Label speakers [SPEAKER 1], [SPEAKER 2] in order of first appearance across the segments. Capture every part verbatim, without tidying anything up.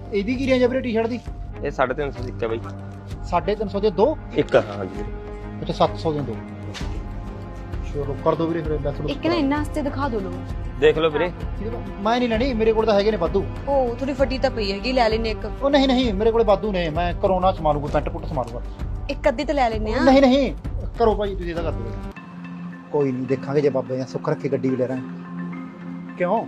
[SPEAKER 1] ਇਹਦੀ ਕੀ ਰੇਂਜ ਹੈ ਵੀਰੇ ਟੀ-ਸ਼ਰਟ ਦੀ?
[SPEAKER 2] ਇਹ ਸਾਢੇ ਤਿੰਨ ਸੌ ਦੀ ਇੱਕ ਹੈ ਬਾਈ।
[SPEAKER 1] ਸਾਢੇ ਤਿੰਨ ਸੌ ਦੇ ਦੋ?
[SPEAKER 2] ਇੱਕ ਹਾਂਜੀ ਵੀਰੇ।
[SPEAKER 1] ਅੱਛਾ ਸੱਤ ਸੌ ਦੇ ਦੋ। ਚਲੋ ਕਰ ਦੋ ਵੀਰੇ ਫਿਰ ਦੱਸ ਲਓ।
[SPEAKER 3] ਇੱਕ ਨਾ ਇਹਨਾਂ ਵਾਸਤੇ ਦਿਖਾ ਦੋ ਲੋ।
[SPEAKER 2] ਦੇਖ ਲਓ ਵੀਰੇ।
[SPEAKER 1] ਮੈਂ ਨਹੀਂ ਲੈਣੀ, ਮੇਰੇ ਕੋਲ ਤਾਂ ਹੈਗੇ ਨੇ ਵਾਧੂ।
[SPEAKER 3] ਉਹ ਥੋੜੀ ਫਟੀ ਤਾਂ ਪਈ ਹੈਗੀ, ਲੈ ਲੈਨੇ ਇੱਕ।
[SPEAKER 1] ਉਹ ਨਹੀਂ ਨਹੀਂ ਮੇਰੇ ਕੋਲੇ ਵਾਧੂ ਨੇ, ਮੈਂ ਕਰੋਨਾ ਸਮਾ ਲੂਗਾ, ਪੈਂਟ ਪੁੱਟ ਸਮਾ ਲੂਗਾ।
[SPEAKER 3] ਇੱਕ ਅੱਧੀ ਤਾਂ ਲੈ ਲੈਨੇ ਆ।
[SPEAKER 1] ਨਹੀਂ ਨਹੀਂ ਕਰੋ ਭਾਈ, ਤੁਸੀਂ ਇਹਦਾ ਕਰ ਦਿਓ। ਕੋਈ ਨਹੀਂ ਦੇਖਾਂਗੇ, ਜੇ ਬਾਬੇ ਨੇ ਸੁੱਖ ਰੱਖੇ ਗੱਡੀ ਵੀ ਲੈ ਰਾਂ। ਕਿਉਂ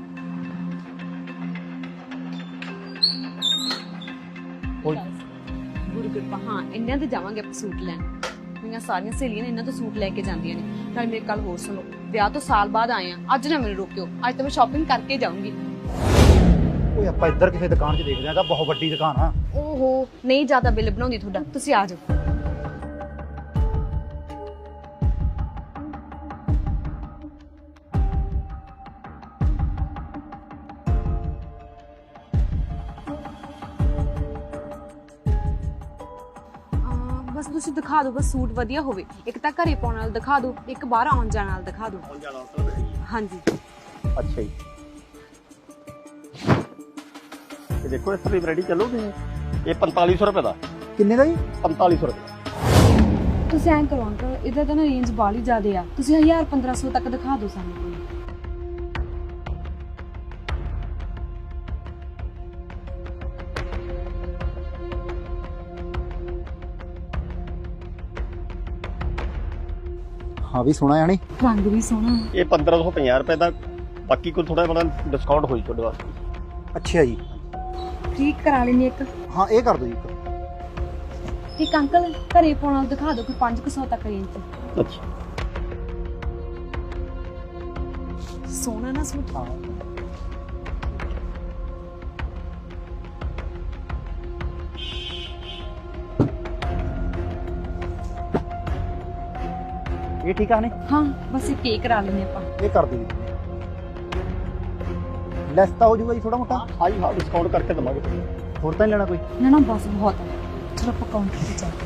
[SPEAKER 1] ਕੋਈ
[SPEAKER 3] ਗੁਰੂ ਕਿਰਪਾ। ਹਾਂ ਇਹਨਾਂ ਦੇ ਜਾਵਾਂਗੇ ਆਪਾਂ ਸੂਟ ਲੈਣ। ਮੇਰੀਆਂ ਸਾਰੀਆਂ ਸਹੇਲੀਆਂ ਨੇ ਇਹਨਾਂ ਤੋਂ ਸੂਟ ਲੈ ਕੇ ਜਾਂਦੀਆਂ ਨੇ। ਨਾਲ ਮੇਰੇ ਕੱਲ ਹੋਰ ਸੁਣੋ, ਵਿਆਹ ਤੋਂ ਸਾਲ ਬਾਅਦ ਆਏ ਆ, ਅੱਜ ਨਾ ਮੈਨੂੰ ਰੋਕਿਓ, ਅੱਜ ਤਾਂ ਮੈਂ ਸ਼ਾਪਿੰਗ ਕਰਕੇ ਜਾਊਂਗੀ।
[SPEAKER 1] ਓਏ ਆਪਾਂ ਇੱਧਰ ਕਿਸੇ ਦੁਕਾਨ 'ਚ ਦੇਖਦੇ ਆਂ, ਤਾਂ ਬਹੁਤ ਵੱਡੀ ਦੁਕਾਨ ਆ।
[SPEAKER 3] ਓਹੋ ਨਹੀਂ ਜ਼ਿਆਦਾ ਬਿੱਲ ਬਣਾਉਂਦੀ ਤੁਹਾਡਾ, ਤੁਸੀਂ ਆ ਜਾਓ। ਬਸ ਤੁਸੀਂ ਦਿਖਾ ਦਿਓ, ਬਸ ਸੂਟ ਵਧੀਆ ਹੋਵੇ। ਇੱਕ ਤਾਂ ਘਰੇ ਪਾਉਣ ਨਾਲ ਦਿਖਾ ਦਿਓ, ਇੱਕ ਬਾਹਰ ਆਉਣ ਜਾਣ ਨਾਲ ਦਿਖਾ ਦਿਓ। ਹਾਂਜੀ
[SPEAKER 2] ਅੱਛਾ ਜੀ। ਇਹ ਦੇਖੋ ਇਸ ਤਰ੍ਹਾਂ ਦੀ ਵੈਰਾਈਟੀ ਚੱਲੂਗੀ। ਇਹ ਪੰਤਾਲੀ ਸੌ ਰੁਪਏ ਦਾ।
[SPEAKER 1] ਕਿੰਨੇ ਦਾ ਜੀ?
[SPEAKER 2] ਪੰਤਾਲੀ ਸੌ ਰੁਪਏ।
[SPEAKER 3] ਤੁਸੀਂ ਐਂ ਕਰੋ ਅੰਕਲ, ਇਹਦਾ ਤਾਂ ਨਾ ਰੇਂਜ ਬਾਹਲੀ ਜ਼ਿਆਦੇ ਆ, ਤੁਸੀਂ ਹਜ਼ਾਰ ਪੰਦਰਾਂ ਸੌ ਤੱਕ ਦਿਖਾ ਦਿਓ ਸਾਨੂੰ ਕੋਈ।
[SPEAKER 1] ਹਾਂ ਵੀ ਸੋਹਣਾ ਆਣੀ,
[SPEAKER 3] ਰੰਗ ਵੀ ਸੋਹਣਾ।
[SPEAKER 2] ਇਹ ਪੰਦਰਾਂ ਸੌ ਪੰਜਾਹ ਰੁਪਏ ਦਾ, ਬਾਕੀ ਕੋਈ ਥੋੜਾ ਬੜਾ ਡਿਸਕਾਊਂਟ ਹੋਈ ਤੁਹਾਡੇ ਵਾਸਤੇ।
[SPEAKER 1] ਅੱਛਾ ਜੀ।
[SPEAKER 3] ਠੀਕ ਕਰਾ ਲੈਣੀ ਇੱਕ।
[SPEAKER 1] ਹਾਂ ਇਹ ਕਰ ਦਿਓ ਜੀ ਇੱਕ।
[SPEAKER 3] ਇੱਕ ਅੰਕਲ ਘਰੇ ਪਾਉਣ ਨਾਲ ਦਿਖਾ ਦਿਓ ਕੋਈ ਪੰਜ ਕੁ ਸੌ ਤੱਕ ਰੇਂਜ ਚ।
[SPEAKER 2] ਅੱਛਾ
[SPEAKER 3] ਸੋਹਣਾ ਨਾ ਸੂਟ।
[SPEAKER 1] ਹਾਂ ਇਹ ਠੀਕ ਆ ਨੇ?
[SPEAKER 3] ਹਾਂ ਬਸ ਇਹ ਕੇਕ ਕਰਾ ਲੈਣੇ ਆਪਾਂ।
[SPEAKER 1] ਇਹ ਕਰ ਦਿਓ ਜੀ। ਲੈਸ ਤਾਂ ਹੋ ਜਾਊਗਾ ਜੀ ਥੋੜਾ ਮੋਟਾ।
[SPEAKER 2] ਹਾਂ ਜੀ ਹਾਂ, ਡਿਸਕਾਊਂਟ ਕਰਕੇ ਦਵਾਂਗੇ।
[SPEAKER 1] ਹੋਰ ਤਾਂ ਨਹੀਂ ਲੈਣਾ ਕੋਈ?
[SPEAKER 3] ਨਾ ਨਾ ਬਸ ਬਹੁਤ ਹੈ। ਚਲੋ ਆਪਾਂ ਕਾਊਂਟਰ ਤੇ ਚੱਲਦੇ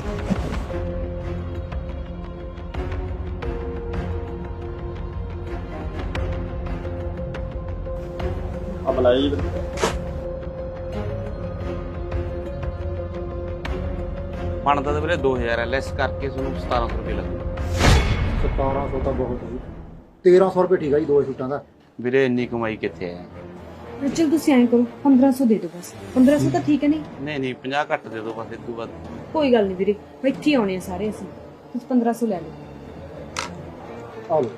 [SPEAKER 2] ਆ ਬੁਲਾਈ ਜੀ।
[SPEAKER 4] ਬਣਦਾ ਤਾਂ ਵੀਰੇ ਦੋ ਹਜ਼ਾਰ ਹੈ, ਲੈਸ ਕਰਕੇ ਤੁਹਾਨੂੰ ਸਤਾਰਾਂ ਸੌ ਰੁਪਏ ਲੱਗੂ।
[SPEAKER 1] ਸਤਾਰਾਂ ਸੌ ਤਾਂ ਬਹੁਤ ਜੀ। ਤੇਰਾਂ ਸੌ ਰੁਪਏ ਠੀਕ ਆ ਜੀ ਦੋ ਸੂਟਾਂ ਦਾ।
[SPEAKER 4] ਵੀਰੇ ਇੰਨੀ ਕਮਾਈ ਕਿੱਥੇ ਹੈ?
[SPEAKER 3] ਚਲ ਤੁਸੀਂ ਐਂ ਕਰੋ ਪੰਦਰਾਂ ਸੌ ਦੇ ਦਿਓ ਬਸ। ਪੰਦਰਾਂ ਸੌ ਤਾਂ ਠੀਕ ਹੈ ਨਹੀਂ?
[SPEAKER 4] ਨਹੀਂ ਨਹੀਂ ਪੰਜਾਹ ਘੱਟ ਦੇ ਦਿਓ ਬਸ, ਇਸ ਤੋਂ ਬਾਅਦ।
[SPEAKER 3] ਕੋਈ ਗੱਲ ਨਹੀਂ ਵੀਰੇ, ਇੱਥੇ ਹੀ ਆਉਣੇ ਆ ਸਾਰੇ ਅਸੀਂ। ਤੁਸੀਂ ਪੰਦਰਾਂ ਸੌ ਲੈ ਲਓ।
[SPEAKER 1] ਆ ਲਓ।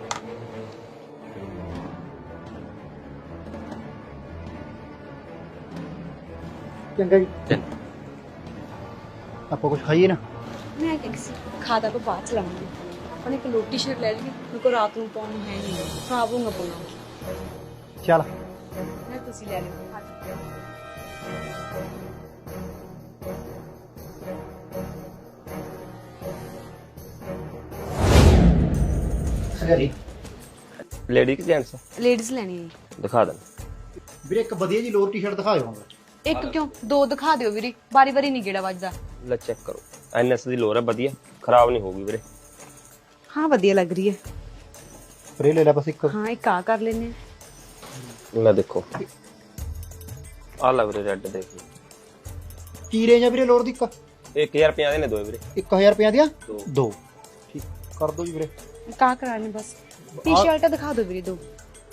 [SPEAKER 1] ਚੰਗਾ ਜੀ।
[SPEAKER 4] ਚੰਗਾ।
[SPEAKER 1] ਆਪਾਂ ਕੁਝ ਖਾਈਏ ਨਾ?
[SPEAKER 3] ਮੈਂ ਕਿਹਾ ਸੀ ਖਾਦਾ ਕੋ ਬਾਅਦ ਚ ਲਾਉਂਗੀ। ਆਪਣੇ ਇੱਕ ਲੋਟੀ ਸ਼ਰਟ ਲੈ ਲਈ, ਮੇਰੇ ਕੋ ਰਾਤ ਨੂੰ ਪਾਉਣ ਨੂੰ ਹੈ ਨਹੀਂ, ਖਰਾਬ ਹੋਊਗਾ ਪਾਉਣਾ।
[SPEAKER 1] ਚੱਲ
[SPEAKER 3] ਮੈਂ ਤੁਸੀਂ ਲੈ ਲਓ।
[SPEAKER 1] ਸਹੀ
[SPEAKER 2] ਲੇਡੀ ਕਿ ਜੈਂਟਸ?
[SPEAKER 3] ਲੇਡੀਜ਼ ਲੈਣੀ ਹੈ।
[SPEAKER 2] ਦਿਖਾ ਦੇਣ
[SPEAKER 1] ਵੀਰੇ ਇੱਕ ਵਧੀਆ ਜੀ ਲੋਅਰ ਟੀ-ਸ਼ਰਟ ਦਿਖਾਇਓ ਹੁਣ।
[SPEAKER 3] ਇੱਕ ਕਿਉਂ, ਦੋ ਦਿਖਾ ਦਿਓ ਵੀਰੇ, ਬਾਰੀ ਬਾਰੀ ਨਹੀਂ ਗੇੜਾ ਵੱਜਦਾ।
[SPEAKER 2] ਲੈ ਚੈੱਕ ਕਰੋ। ਐਨਐਸ ਦੀ ਲੋਰ ਹੈ, ਵਧੀਆ, ਖਰਾਬ ਨਹੀਂ ਹੋਊਗੀ ਵੀਰੇ।
[SPEAKER 3] ਹਾਂ ਵਧੀਆ ਲੱਗ ਰਹੀ ਹੈ।
[SPEAKER 1] ਸਪਰੇ ਲੈ ਲੈ ਬਸ ਇੱਕ।
[SPEAKER 3] ਹਾਂ ਇੱਕ ਆ ਕਰ ਲੈਨੇ ਆ।
[SPEAKER 2] ਲੈ ਦੇਖੋ ਆ ਲੈ ਵੀਰੇ, ਰੈੱਡ ਦੇਖ ਲਓ।
[SPEAKER 1] ਕੀ ਰੇਂਜ ਆ ਵੀਰੇ ਲੋਅਰ ਦੀ? ਇੱਕ
[SPEAKER 2] ਇੱਕ ਹਜ਼ਾਰ ਪੰਜਾਹ ਦੇ ਨੇ ਦੋ ਵੀਰੇ।
[SPEAKER 1] ਇੱਕ ਹਜ਼ਾਰ ਰੁਪਏ ਦੀਆਂ
[SPEAKER 2] ਦੋ।
[SPEAKER 1] ਦੋ ਠੀਕ ਕਰ ਦੋ ਜੀ ਵੀਰੇ।
[SPEAKER 3] ਇੱਕ ਆ ਕਰਾਣੀ ਬਸ। ਟੀ-ਸ਼ਰਟ ਦਿਖਾ ਦਿਓ ਵੀਰੇ ਦੋ।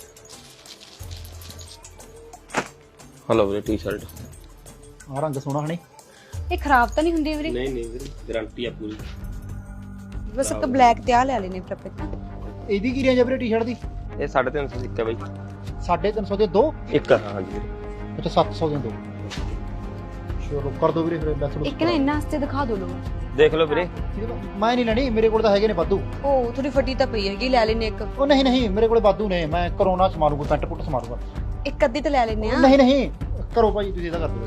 [SPEAKER 2] ਹਲੋ ਵੀਰੇ ਟੀ-ਸ਼ਰਟ।
[SPEAKER 1] ਆ ਰੰਗ ਸੋਹਣਾ ਹਣੀ।
[SPEAKER 3] ਇਹ ਖਰਾਬ ਤਾਂ ਨਹੀਂ ਹੁੰਦੀ ਵੀਰੇ?
[SPEAKER 2] ਨਹੀਂ ਨਹੀਂ ਵੀਰੇ, ਗਾਰੰਟੀ ਆ ਪੂਰੀ।
[SPEAKER 3] ਬਸ ਇੱਕ ਬਲੈਕ ਤੇ ਆ ਲੈ ਲੈਨੇ ਫਿਰ ਆਪਾਂ।
[SPEAKER 1] ਇਹਦੀ ਕੀ ਰੇਂਜ ਆ ਵੀਰੇ ਟੀ-ਸ਼ਰਟ ਦੀ?
[SPEAKER 2] ਇਹ ਸਾਢੇ ਤਿੰਨ ਸੌ ਦੀ ਇੱਕ ਹੈ ਬਾਈ।
[SPEAKER 1] ਸਾਢੇ ਤਿੰਨ ਸੌ ਦੇ ਦੋ?
[SPEAKER 2] ਇੱਕ ਹਾਂਜੀ ਵੀਰੇ।
[SPEAKER 1] ਅੱਛਾ ਸੱਤ ਸੌ ਦੇ ਦੋ। ਚਲੋ ਕਰ ਦੋ ਵੀਰੇ ਫਿਰ ਦੱਸ ਲਓ।
[SPEAKER 3] ਇੱਕ ਨਾ ਇਹਨਾਂ ਵਾਸਤੇ ਦਿਖਾ ਦਿਓ ਲੋ।
[SPEAKER 2] ਦੇਖ ਲਓ ਵੀਰੇ।
[SPEAKER 1] ਮੈਂ ਨਹੀਂ ਲੈਣੀ, ਮੇਰੇ ਕੋਲ ਤਾਂ ਹੈਗੇ ਨੇ ਵਾਧੂ।
[SPEAKER 3] ਉਹ ਥੋੜੀ ਫਟੀ ਤਾਂ ਪਈ ਹੈਗੀ, ਲੈ ਲੈਨੇ ਇੱਕ।
[SPEAKER 1] ਉਹ ਨਹੀਂ ਨਹੀਂ ਮੇਰੇ ਕੋਲੇ ਵਾਧੂ ਨੇ, ਮੈਂ ਕਰੋਨਾ ਸਮਾ ਲੂਗਾ, ਪੈਂਟ ਪੁੱਟ ਸਮਾ ਲੂਗਾ।
[SPEAKER 3] ਇੱਕ ਅੱਧੀ ਤਾਂ ਲੈ ਲੈਨੇ ਆ।
[SPEAKER 1] ਨਹੀਂ ਨਹੀਂ ਕਰੋ ਭਾਈ, ਤੁਸੀਂ ਇਹਦਾ ਕਰ ਦਿਓ।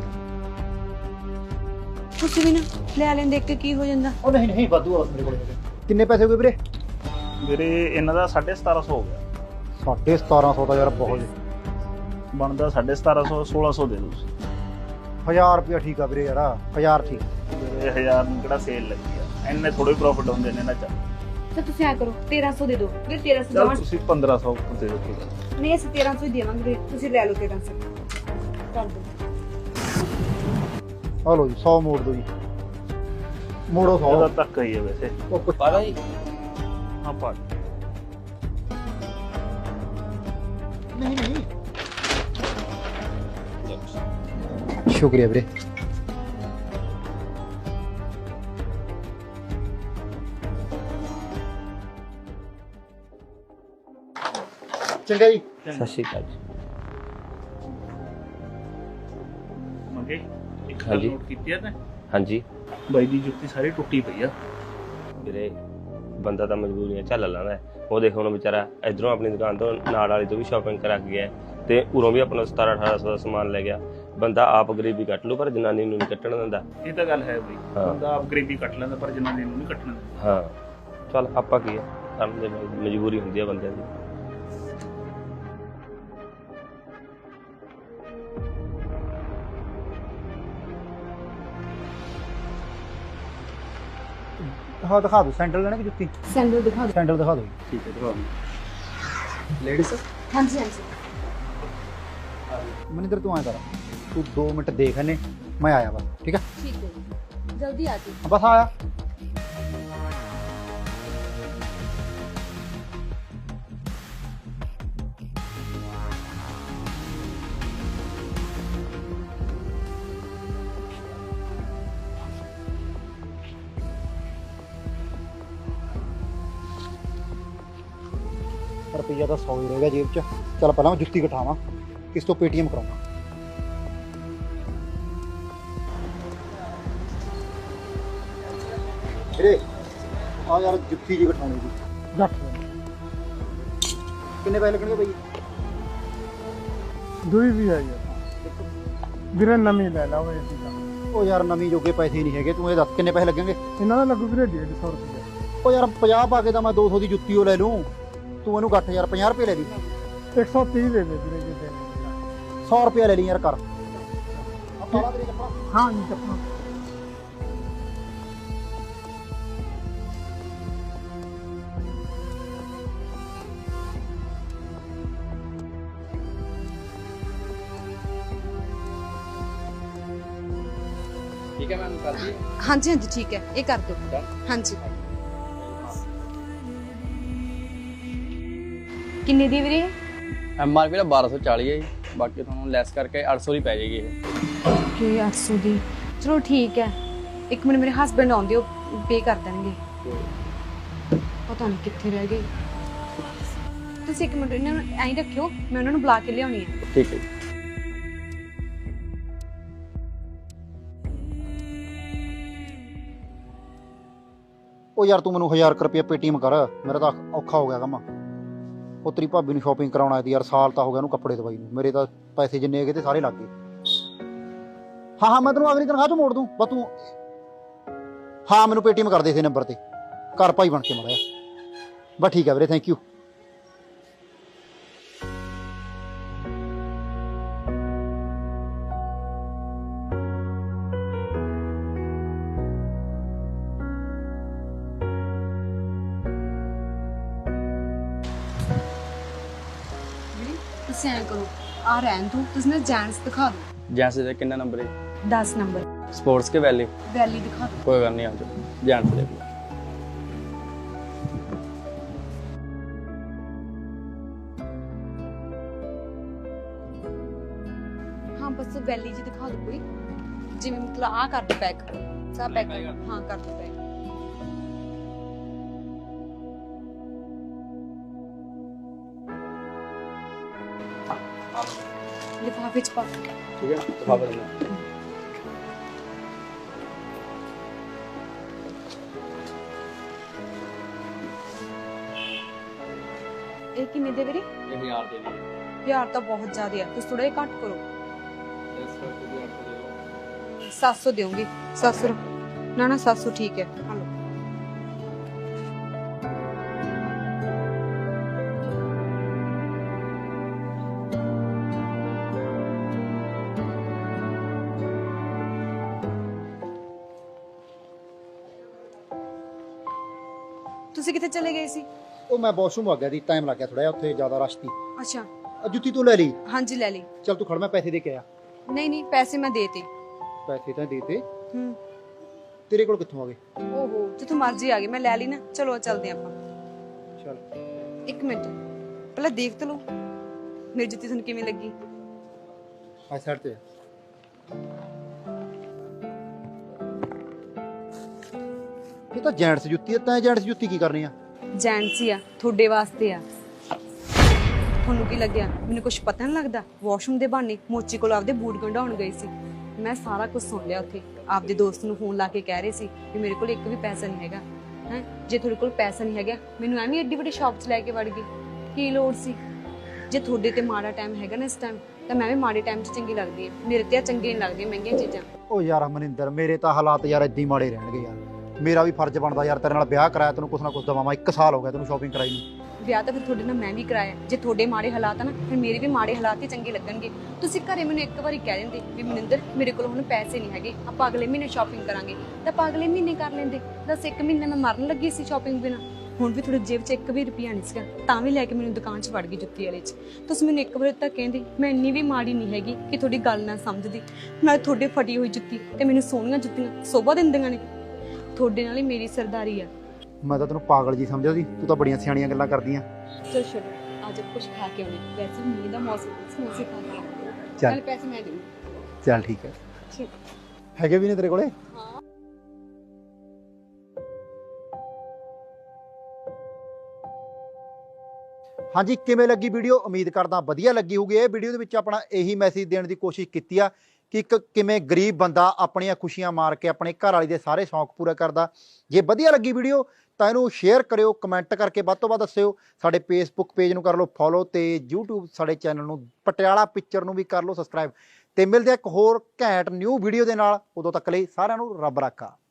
[SPEAKER 3] ਤੁਸੀਂ ਵੀ ਨਾ ਲੈ ਲੈਂਦੇ, ਇੱਕ ਕੀ ਹੋ ਜਾਂਦਾ।
[SPEAKER 1] ਉਹ ਨਹੀਂ ਨਹੀਂ ਵਾਧੂ ਆ ਮੇਰੇ ਕੋਲੇ। ਕਿੰਨੇ ਪੈਸੇ ਹੋ ਗਏ ਵੀਰੇ?
[SPEAKER 5] ਵੀਰੇ ਇਹਨਾਂ ਦਾ ਸਾਢੇ ਸਤਾਰਾਂ ਸੌ ਹੋ ਗਿਆ।
[SPEAKER 1] ਸਾਢੇ ਸਤਾਰਾਂ ਸੌ ਦਾ ਯਾਰ ਬਹੁਤ ਜੀ।
[SPEAKER 5] ਬਣਦਾ ਸਾਢੇ ਸਤਾਰਾਂ ਸੌ, ਸੋਲਾਂ ਸੌ ਦੇ ਦਿਓ ਤੁਸੀਂ।
[SPEAKER 1] ਹਜ਼ਾਰ ਰੁਪਇਆ ਠੀਕ ਆ ਵੀਰੇ ਯਾਰ, ਹਜ਼ਾਰ ਠੀਕ।
[SPEAKER 5] ਵੀਰੇ ਹਜ਼ਾਰ ਨੂੰ ਕਿਹੜਾ ਸੇਲ ਲੱਗੀ ਆ, ਇੰਨੇ ਥੋੜੇ ਪ੍ਰੋਫਿਟ ਹੁੰਦੇ ਨੇ ਇਹਨਾਂ ਚ।
[SPEAKER 3] ਤਾਂ ਤੁਸੀਂ ਐ ਕਰੋ ਤੇਰਾਂ ਸੌ ਦੇ ਦਿਓ ਵੀਰੇ। ਤੇਰਾਂ ਸੌ
[SPEAKER 5] ਚਲ
[SPEAKER 3] ਜਮਾ
[SPEAKER 5] ਤੁਸੀਂ ਪੰਦਰਾਂ ਸੌ ਦੇ ਦਿਓ।
[SPEAKER 3] ਨਹੀਂ, ਅਸੀਂ ਤੇਰਾਂ ਸੌ ਹੀ ਦੇਵਾਂਗੇ ਵੀਰੇ, ਤੁਸੀਂ ਲੈ ਲਓ ਤੇਰਾਂ ਸੌ ਕਰ ਦਿਓ।
[SPEAKER 1] ਆ ਲਓ ਜੀ ਸੌ ਮੋੜ ਦਿਓ ਜੀ, ਮੋੜੋ
[SPEAKER 5] ਉਹਦਾ
[SPEAKER 1] ਸੌ।
[SPEAKER 5] ਧੱਕਾ ਹੀ ਹੈ ਵੈਸੇ।
[SPEAKER 1] ਉਹ ਕੁਛ-
[SPEAKER 4] ਪਾਦਾ ਜੀ
[SPEAKER 5] ਹਾਂ ਪਾ
[SPEAKER 1] ਨਹੀਂ ਨਹੀਂ ਸ਼ੁਕਰੀਆ ਵੀਰੇ। ਚੰਗਾ ਜੀ।
[SPEAKER 4] ਸਤਿ ਸ਼੍ਰੀ ਅਕਾਲ ਜੀ।
[SPEAKER 5] ਮੰਗੇ ਇੱਕ ਗੱਲ
[SPEAKER 4] ਹਾਂਜੀ।
[SPEAKER 5] ਨੋਟ ਕੀਤੀ ਆ ਤੈਂ?
[SPEAKER 4] ਹਾਂਜੀ
[SPEAKER 5] ਬਾਈ ਦੀ ਜੁੱਤੀ ਸਾਰੀ ਟੁੱਟੀ ਪਈ ਆ।
[SPEAKER 4] ਵੀਰੇ ਬੰਦਾ ਤਾਂ ਮਜਬੂਰੀਆਂ ਝੱਲ ਲੈਂਦਾ ਹੈ। ਉਹ ਦੇਖੋ ਹੁਣ ਵਿਚਾਰਾ ਇਧਰੋਂ ਆਪਣੀ ਦੁਕਾਨ ਤੋਂ ਨਾਲ ਵਾਲੀ ਤੋਂ ਵੀ ਸ਼ਾਪਿੰਗ ਕਰਾ ਕੇ ਗਿਆ ਤੇ ਉਰੋਂ ਵੀ ਆਪਣਾ ਸਤਾਰਾਂ ਅਠਾਰਾਂ ਸੌ ਦਾ ਸਮਾਨ ਲੈ ਗਿਆ। ਬੰਦਾ ਆਪ ਗਰੀਬੀ ਕੱਟ ਲੂ ਪਰ ਜਨਾਨੀ ਨੂੰ ਨਹੀਂ ਕੱਟਣ ਦਿੰਦਾ।
[SPEAKER 5] ਇਹ ਤਾਂ ਗੱਲ ਹੈ ਬਈ,
[SPEAKER 4] ਹਾਂ।
[SPEAKER 5] ਬੰਦਾ ਆਪ ਗਰੀਬੀ ਕੱਟ ਲੈਂਦਾ ਪਰ ਜਨਾਨੀ ਨੂੰ ਨਹੀਂ ਕੱਟਣ ਦਿੰਦਾ।
[SPEAKER 4] ਹਾਂ ਚੱਲ ਆਪਾਂ ਕੀ ਹੈ, ਕਰਨ ਦੇ ਨਾਲ ਮਜਬੂਰੀ ਹੁੰਦੀ ਹੈ ਬੰਦਿਆਂ ਦੀ।
[SPEAKER 1] ਹਾਂ ਦਿਖਾ ਦਿਓ, ਸੈਂਡਲ ਲੈਣੇ ਕਿ ਜੁੱਤੀ?
[SPEAKER 3] ਸੈਂਡਲ ਦਿਖਾ ਦਿਓ।
[SPEAKER 1] ਸੈਂਡਲ ਦਿਖਾ ਦਿਓ ਜੀ।
[SPEAKER 5] ਠੀਕ ਹੈ ਦਿਖਾ
[SPEAKER 1] ਲੇਡੀਜ਼
[SPEAKER 3] ਹਾਂਜੀ ਹਾਂਜੀ
[SPEAKER 1] ਮਨਿੰਦਰ ਤੂੰ ਆਇਆ ਕਰ, ਤੂੰ ਦੋ ਮਿੰਟ ਦੇਖ ਇਹਨੇ, ਮੈਂ ਆਇਆ ਬਸ। ਠੀਕ ਹੈ
[SPEAKER 3] ਠੀਕ ਹੈ ਜੀ। ਜਲਦੀ ਆ ਜੀ।
[SPEAKER 1] ਬਸ ਆਇਆ। ਰੁਪਈਆ ਤਾਂ ਸੌ ਹੀ ਰਹਿ ਗਿਆ ਜੇਬ 'ਚ। ਚੱਲ ਪਹਿਲਾਂ ਮੈਂ ਜੁੱਤੀ ਕਟਾਵਾਂ, ਕਿਸ ਤੋਂ ਪੇਟੀਐਮ ਕਰਾਉਣਾ। ਵੀਰੇ ਆ ਯਾਰ ਜੁੱਤੀ ਜੀ ਕਟਾਉਣੀ ਜੀ। ਜੱਟ ਕਿੰਨੇ ਪੈਸੇ ਲੱਗਣਗੇ ਬਾਈ?
[SPEAKER 6] ਦੂਈ ਵੀ ਆਈ ਆ ਵੀਰੇ, ਨਵੀਂ ਲੈ ਲਾ ਓਏ ਸੀਗਾ।
[SPEAKER 1] ਉਹ ਯਾਰ ਨਵੀਂ ਜੋਗੇ ਪੈਸੇ ਨਹੀਂ ਹੈਗੇ, ਤੂੰ ਇਹ ਦੱਸ ਕਿੰਨੇ ਪੈਸੇ ਲੱਗਣਗੇ?
[SPEAKER 6] ਇਹਨਾਂ ਦਾ ਲੱਗੂ ਵੀਰੇ ਡੇਢ ਸੌ ਰੁਪਏ।
[SPEAKER 1] ਉਹ ਯਾਰ ਪੰਜਾਹ ਪਾ ਕੇ ਤਾਂ ਮੈਂ ਦੋ ਸੌ ਦੀ ਜੁੱਤੀ ਉਹ ਲੈ ਲੂੰ, ਤੂੰ ਇਹਨੂੰ ਗੱਠ ਯਾਰ ਪੰਜਾਹ ਰੁਪਏ ਲੈ ਲਈ।
[SPEAKER 6] ਇੱਕ ਸੌ ਤੀਹ ਦੇ ਦੇ ਵੀਰੇ, ਜੇ ਦੇਣੇ
[SPEAKER 1] ਸੌ ਰੁਪਏ ਲੈ ਲਈ ਯਾਰ ਕਰ।
[SPEAKER 6] ਹਾਂ ਜੀ ਚੱਪਾ।
[SPEAKER 4] ਠੀਕ ਹੈ ਮੈਮ, ਕਰ ਦਈਏ?
[SPEAKER 3] ਹਾਂਜੀ ਹਾਂਜੀ ਠੀਕ ਹੈ, ਇਹ ਕਰ ਦਿਓ। ਹਾਂਜੀ ਕਿੰਨੇ ਦੀ ਵੀਰੇ?
[SPEAKER 7] ਐਮ ਆਰ ਪੀ ਦਾ ਬਾਰਾਂ ਸੌ ਚਾਲੀ ਹੈ ਜੀ, ਬਾਕੀ ਤੁਹਾਨੂੰ ਲੈਸ ਕਰਕੇ ਅੱਠ ਸੌ ਦੀ ਪੈ ਜਾਏਗੀ ਇਹ।
[SPEAKER 3] ਓਕੇ ਅੱਠ ਸੌ ਦੀ, ਚਲੋ ਠੀਕ ਹੈ। ਇੱਕ ਮਿੰਟ ਮੇਰੇ ਹਸਬੰਡ ਆਉਂਦੇ, ਉਹ ਪੇ ਕਰ ਦੇਣਗੇ। ਪਤਾ ਨਹੀਂ ਕਿੱਥੇ ਰਹਿ ਗਏ। ਤੁਸੀਂ ਇੱਕ ਮਿੰਟ ਇਹਨਾਂ ਨੂੰ ਐਂ ਹੀ ਰੱਖਿਓ, ਮੈਂ ਉਹਨਾਂ ਨੂੰ ਬੁਲਾ ਕੇ ਲਿਆਉਣੀ ਹੈ।
[SPEAKER 7] ਠੀਕ ਹੈ ਜੀ।
[SPEAKER 1] ਉਹ ਯਾਰ ਤੂੰ ਮੈਨੂੰ ਹਜ਼ਾਰ ਕੁ ਰੁਪਏ ਪੇਟੀਐਮ ਕਰ, ਮੇਰਾ ਤਾਂ ਔਖਾ ਹੋ ਗਿਆ ਕੰਮ। ਉਹ ਤੇਰੀ ਭਾਬੀ ਨੂੰ ਸ਼ਾਪਿੰਗ ਕਰਾਉਣਾ ਸੀ ਯਾਰ, ਸਾਲ ਤਾਂ ਹੋ ਗਿਆ ਉਹਨੂੰ ਕੱਪੜੇ ਦਵਾਈ ਨੂੰ। ਮੇਰੇ ਤਾਂ ਪੈਸੇ ਜਿੰਨੇ ਹੈਗੇ ਤੇ ਸਾਰੇ ਲੱਗ ਗਏ। ਹਾਂ ਹਾਂ ਮੈਂ ਤੈਨੂੰ ਅਗਲੀ ਤਨਖਾਹ ਚੋਂ ਮੋੜ ਦੂੰ, ਬਸ ਤੂੰ ਹਾਂ ਮੈਨੂੰ ਪੇਟੀਐਮ ਕਰ ਦੇ ਇਸੇ ਨੰਬਰ ਤੇ, ਘਰ ਭਾਈ ਬਣ ਕੇ ਮਾਰਿਆ। ਬਸ ਠੀਕ ਹੈ ਵੀਰੇ, ਥੈਂਕ ਯੂ।
[SPEAKER 3] ਤੁਸੀਂ ਐਂ ਕਰੋ, ਆ ਰਹਿਣ ਦੋ, ਤੁਸੀਂ ਨਾ ਜੈਂਟਸ ਦਿਖਾ ਦਿਓ।
[SPEAKER 7] ਜੈਂਟਸ ਦਾ ਕਿੰਨਾ ਨੰਬਰ ਹੈ?
[SPEAKER 3] ਦਸ ਨੰਬਰ
[SPEAKER 7] ਸਪੋਰਟਸ ਕੇ ਵੈਲੀ?
[SPEAKER 3] ਵੈਲੀ ਦਿਖਾ ਦਿਓ।
[SPEAKER 7] ਕੋਈ ਗੱਲ ਨਹੀਂ, ਆ ਜਾਓ ਜੈਂਟਸ ਦੇਖ ਲਓ।
[SPEAKER 3] ਹਾਂ ਬਸ ਵੈਲੀ ਜੀ ਦਿਖਾ ਦਿਓ ਕੋਈ, ਜਿਵੇਂ ਮਤਲਬ ਆ ਕਰ ਦਿਓ ਪੈਕ, ਸਭ ਪੈਕ ਹਾਂ ਕਰ ਦਿਓ ਪੈਕ। ਲਿਫਾਫੇ ਚ ਪਾ ਦਿਓ।
[SPEAKER 7] ਠੀਕ ਹੈ, ਦਿਖਾ ਦਿੰਦਾ।
[SPEAKER 3] ਇਹ ਕਿੰਨੇ ਦੇ ਵੀਰੇ?
[SPEAKER 7] ਇਹ ਹਜ਼ਾਰ ਦੇ ਦੀ
[SPEAKER 3] ਯਾਰ ਤਾਂ ਬਹੁਤ ਜ਼ਿਆਦਾ ਹੈ, ਤੁਸੀਂ ਥੋੜਾ ਜਿਹਾ ਘੱਟ ਕਰੋ।
[SPEAKER 7] ਇਸ ਕਰਕੇ ਵੀ ਅੱਠ ਸੌ ਦੇ ਦਿਓ।
[SPEAKER 3] ਸੱਤ ਸੌ ਦੇਵਾਂਗੀ। ਸੱਤ ਸੌ ਨਾ ਨਾ ਸੱਤ ਸੌ ਠੀਕ ਹੈ। ਹਾਂ ਲਓ। ਤੁਸੀਂ ਕਿੱਥੇ ਚਲੇ ਗਏ ਸੀ?
[SPEAKER 1] ਉਹ ਮੈਂ ਵਾਸ਼ਰੂਮ ਆ ਗਿਆ ਸੀ, ਟਾਈਮ ਲੱਗ ਗਿਆ ਥੋੜਾ ਜਿਹਾ, ਉੱਥੇ ਜ਼ਿਆਦਾ ਰਸ਼ ਸੀ।
[SPEAKER 3] ਅੱਛਾ
[SPEAKER 1] ਆ ਜੁੱਤੀ ਤੂੰ ਲੈ ਲਈ?
[SPEAKER 3] ਹਾਂਜੀ ਲੈ ਲਈ।
[SPEAKER 1] ਚੱਲ ਤੂੰ ਖੜ, ਮੈਂ ਪੈਸੇ ਦੇ ਕੇ ਆਇਆ।
[SPEAKER 3] ਨਹੀਂ ਨਹੀਂ ਪੈਸੇ ਮੈਂ ਦੇਤੇ।
[SPEAKER 1] ਪੈਸੇ ਤਾਂ ਦੇਤੇ,
[SPEAKER 3] ਹੂੰ।
[SPEAKER 1] ਤੇਰੇ ਕੋਲ ਕਿੱਥੋਂ ਆ ਗਏ?
[SPEAKER 3] ਓਹੋ ਜਿੱਥੋਂ ਮਰਜ਼ੀ ਆ ਗਈ, ਮੈਂ ਲੈ ਲਈ ਨਾ। ਚਲੋ ਚੱਲਦੇ ਆਪਾਂ।
[SPEAKER 1] ਚੱਲ
[SPEAKER 3] ਇੱਕ ਮਿੰਟ ਪਹਿਲਾਂ ਦੇਖ ਤਾਂ ਲਓ ਮੇਰੀ ਜੁੱਤੀ ਤੁਹਾਨੂੰ ਕਿਵੇਂ ਲੱਗੀ।
[SPEAKER 1] ਆ ਸਾਈਡ ਤੇ ਇਹ ਤਾਂ ਜੈਂਟਸ ਜੁੱਤੀ ਹੈ, ਤੈਂ ਜੈਂਟਸ ਜੁੱਤੀ ਕੀ ਕਰਨੀ ਆ?
[SPEAKER 3] ਜੈਂਟਸ ਹੀ ਆ, ਤੁਹਾਡੇ ਵਾਸਤੇ ਆ। ਤੁਹਾਨੂੰ ਕੀ ਲੱਗਿਆ ਮੈਨੂੰ ਕੁਝ ਪਤਾ ਨਹੀਂ ਲੱਗਦਾ? ਵਾਸ਼ਰੂਮ ਦੇ ਬਹਾਨੇ ਮੋਚੀ ਕੋਲ ਆਪਦੇ ਬੂਟ ਗੰਢਾਉਣ ਗਈ ਸੀ। ਮੈਂ ਸਾਰਾ ਕੁਝ ਸੁਣ ਲਿਆ ਉੱਥੇ। ਆਪਦੇ ਦੋਸਤ ਨੂੰ ਫੋਨ ਲਾ ਕੇ ਕਹਿ ਰਹੇ ਸੀ ਕਿ ਮੇਰੇ ਕੋਲ ਇੱਕ ਵੀ ਪੈਸਾ ਨਹੀਂ ਹੈਗਾ। ਹੈ ਜੇ ਤੁਹਾਡੇ ਕੋਲ ਪੈਸਾ ਨਹੀਂ ਹੈਗਾ ਮੈਨੂੰ ਐਵੇਂ ਐਡੀ ਵੱਡੀ ਸ਼ਾਪ 'ਚ ਲੈ ਕੇ ਵੜ ਗਈ, ਕੀ ਲੋੜ ਸੀ? ਜੇ ਤੁਹਾਡੇ ਤੇ ਮਾੜਾ ਟਾਈਮ ਹੈਗਾ ਨਾ ਇਸ ਟਾਈਮ, ਤਾਂ ਮੈਂ ਵੀ ਮਾੜੇ ਟਾਈਮ 'ਚ ਚੰਗੀ ਲੱਗਦੀ ਹਾਂ। ਮੇਰੇ ਤੇ ਆ ਚੰਗੇ ਨਹੀਂ ਲੱਗਦੀਆਂ ਮਹਿੰਗੀਆਂ ਚੀਜ਼ਾਂ।
[SPEAKER 1] ਉਹ ਯਾਰ ਮਨਿੰਦਰ, ਮੇਰੇ ਤਾਂ ਹਾਲਾਤ ਯਾਰ ਏਦਾਂ ਹੀ ਮਾੜੇ ਰਹਿਣਗੇ ਯਾਰ। ਮੇਰਾ ਵੀ ਫਰਜ਼ ਬਣਦਾ ਯਾਰ ਤੇਰੇ ਨਾਲ ਵਿਆਹ ਕਰਾਇਆ, ਤੈਨੂੰ ਕੁਛ ਨਾ ਕੁਛ ਦਵਾਵਾਂ। ਇੱਕ ਸਾਲ ਹੋ ਗਿਆ ਤੈਨੂੰ ਸ਼ਾਪਿੰਗ ਕਰਾਈ ਨੂੰ।
[SPEAKER 3] ਵਿਆਹ ਤਾਂ ਫਿਰ ਤੁਹਾਡੇ ਨਾਲ ਮੈਂ ਵੀ ਕਰਾਇਆ। ਜੇ ਤੁਹਾਡੇ ਮਾੜੇ ਹਾਲਾਤ ਆ ਨਾ, ਫਿਰ ਮੇਰੇ ਵੀ ਮਾੜੇ ਹਾਲਾਤ ਹੀ ਚੰਗੇ ਲੱਗਣਗੇ। ਤੁਸੀਂ ਘਰੇ ਮੈਨੂੰ ਇੱਕ ਵਾਰੀ ਕਹਿ ਦਿੰਦੇ ਵੀ ਮਨਿੰਦਰ ਮੇਰੇ ਕੋਲ ਹੁਣ ਪੈਸੇ ਨਹੀਂ ਹੈਗੇ, ਆਪਾਂ ਅਗਲੇ ਮਹੀਨੇ ਸ਼ਾਪਿੰਗ ਕਰਾਂਗੇ, ਤਾਂ ਆਪਾਂ ਅਗਲੇ ਮਹੀਨੇ ਕਰ ਲੈਂਦੇ। ਦੱਸ ਇੱਕ ਮਹੀਨੇ ਮੈਂ ਮਰਨ ਲੱਗੀ ਸੀ ਸ਼ਾਪਿੰਗ ਬਿਨਾਂ। ਹੁਣ ਵੀ ਤੁਹਾਡੀ ਜੇਬ 'ਚ ਇੱਕ ਵੀ ਰੁਪਿਆ ਨਹੀਂ ਸੀਗਾ, ਤਾਂ ਵੀ ਲੈ ਕੇ ਮੈਨੂੰ ਦੁਕਾਨ 'ਚ ਵੜ ਗਈ ਜੁੱਤੀ ਵਾਲੇ 'ਚ। ਤੁਸੀਂ ਮੈਨੂੰ ਇੱਕ ਵਾਰ ਤਾਂ ਕਹਿੰਦੇ ਮੈਂ ਇੰਨੀ ਵੀ ਮਾੜੀ ਨਹੀਂ ਹੈਗੀ ਕਿ ਤੁਹਾਡੀ ਗੱਲ ਨਾ ਸਮਝਦੀ। ਮੈਂ ਤੁਹਾਡੇ ਫਟੀ ਹੋਈ ਜੁੱਤੀ ਤੇ ਮੈਨੂੰ ਸੋਹਣੀਆਂ ਜੁੱਤੀਆਂ ਸੋਭਾ ਦਿੰਦੀਆਂ ਨੇ। ਤੁਹਾਡੇ ਨਾਲ ਹੀ ਮੇਰੀ ਸਰਦਾਰੀ ਆ।
[SPEAKER 1] ਮੈਂ ਤਾਂ ਤੈਨੂੰ ਪਾਗਲ ਜੀ ਸਮਝਿਆ ਸੀ, ਤੂੰ ਤਾਂ ਬੜੀਆਂ ਸਿਆਣੀਆਂ ਗੱਲਾਂ ਕਰਦੀਆਂ।
[SPEAKER 3] ਚਲ ਛੱਡੋ, ਅੱਜ ਕੁਝ ਖਾ ਕੇ ਆਉਣੇ। ਵੈਸੇ ਮੀਂਹ ਦਾ ਮੌਸਮ ਹੈ, ਸਮੋਸੇ ਖਾ ਕੇ ਆਉਣੇ।
[SPEAKER 1] ਚੱਲ।
[SPEAKER 3] ਚੱਲ ਪੈਸੇ ਮੈਂ ਦੇਵਾਂ।
[SPEAKER 1] ਚੱਲ ਠੀਕ ਹੈ।
[SPEAKER 3] ਠੀਕ।
[SPEAKER 1] ਹੈਗੇ ਵੀ ਨੇ ਤੇਰੇ ਕੋਲੇ?
[SPEAKER 3] ਹਾਂ।
[SPEAKER 1] ਹਾਂਜੀ, ਕਿਵੇਂ ਲੱਗੀ ਵੀਡੀਓ? ਉਮੀਦ ਕਰਦਾ ਵਧੀਆ ਲੱਗੀ ਹੋਊਗੀ। ਇਹ ਵੀਡੀਓ ਦੇ ਵਿੱਚ ਆਪਣਾ ਇਹੀ ਮੈਸੇਜ ਦੇਣ ਦੀ ਕੋਸ਼ਿਸ਼ ਕੀਤੀ ਆ ਕਿ ਇੱਕ ਕਿਵੇਂ ਗਰੀਬ ਬੰਦਾ ਆਪਣੀਆਂ ਖੁਸ਼ੀਆਂ ਮਾਰ ਕੇ ਆਪਣੇ ਘਰ ਵਾਲੀ ਦੇ ਸਾਰੇ ਸ਼ੌਂਕ ਪੂਰੇ ਕਰਦਾ। ਜੇ ਵਧੀਆ ਲੱਗੀ ਵੀਡੀਓ ਤਾਂ ਇਹਨੂੰ ਸ਼ੇਅਰ ਕਰਿਓ, ਕਮੈਂਟ ਕਰਕੇ ਵੱਧ ਤੋਂ ਵੱਧ ਦੱਸਿਓ। ਸਾਡੇ ਫੇਸਬੁੱਕ ਪੇਜ ਨੂੰ ਕਰ ਲਓ ਫੋਲੋ, ਤੇ ਯੂਟਿਊਬ ਸਾਡੇ ਚੈਨਲ ਨੂੰ ਪਟਿਆਲਾ ਪਿਕਚਰ ਨੂੰ ਵੀ ਕਰ ਲਓ ਸਬਸਕ੍ਰਾਈਬ। ਤੇ ਮਿਲਦੇ ਇੱਕ ਹੋਰ ਘੈਂਟ ਨਿਊ ਵੀਡੀਓ ਦੇ ਨਾਲ। ਉਦੋਂ ਤੱਕ ਲਈ ਸਾਰਿਆਂ ਨੂੰ ਰੱਬ ਰਾਖਾ।